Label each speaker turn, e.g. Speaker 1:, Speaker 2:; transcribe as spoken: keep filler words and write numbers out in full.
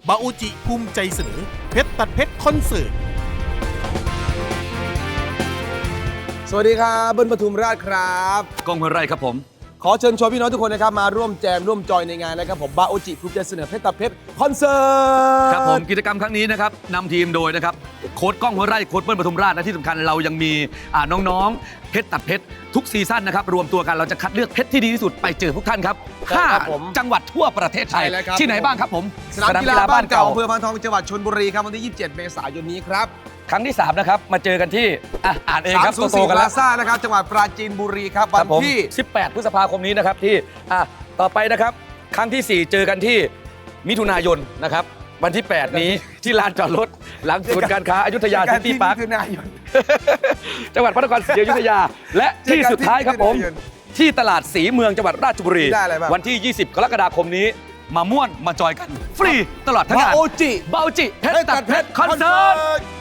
Speaker 1: บาโอจิภูมิใจเสนอเพชรตัดเพชรคอนเสิร์ต
Speaker 2: สวัสดีครับเบิ้ลปทุมราชครับ
Speaker 3: กองห้วยไร่ครับผม
Speaker 2: ขอเชิญชวนพี่น้องทุกคนนะครับมาร่วมแจมร่วมจอยในงานนะครับผมบาโอจิภูมิใจเสนอเพชรตัดเพชรคอนเสิร์ต
Speaker 3: ครับผมกิจกรรมครั้งนี้นะครับนำทีมโดยนะครับโค้ชก้องห้วยไร่โค้ชเบิ้ลปทุมราชและที่สำคัญเรายังมีอ่าน้องๆเพชรตัดเพชรทุกซีซั่นนะครับรวมตัวกันเราจะคัดเลือกเพชรที่ดีที่สุดไปเจอพวกท่านครับห้าจังหวัดทั่วประเทศไทยที่ไหนบ้างครับผม
Speaker 2: สนามกีฬาบ้านเก่าอำเภอพานทองจังหวัดชลบุรีครับวันที่ยี่สิบเจ็ดเมษายนนี้ครับ
Speaker 3: ครั้งที่สามนะครับมาเจอกันที่อ่ะอ่านเองครับ
Speaker 2: สามศูนย์สี่
Speaker 3: โตๆกัน
Speaker 2: พ
Speaker 3: แล้
Speaker 2: ลาว ซ่านะครับจังหวัดปราจีนบุรีครับวันที่
Speaker 3: สิบแปดพฤษภาคมนี้นะครับที่อ่ะต่อไปนะครับครั้งที่สี่เจอกันที่มิถุนายนนะครับวันที่แปดนี้ที่ลานจอดรถหลังศูนย์การค้าอยุธยาซิตี้พาร์คจังหวัดพระนครศรีอยุธยาและที่สุดท้ายครับผมที่ตลาดสีเมืองจังหวัดราชบุรีวันที่ยี่สิบกรกฎาคมนี้มาม่วนมาจอยกันฟรีตลอดทั้งงาน
Speaker 2: บาโอจิ
Speaker 3: บาโอจิเพชรตัดเพชรคอนเสิร์ต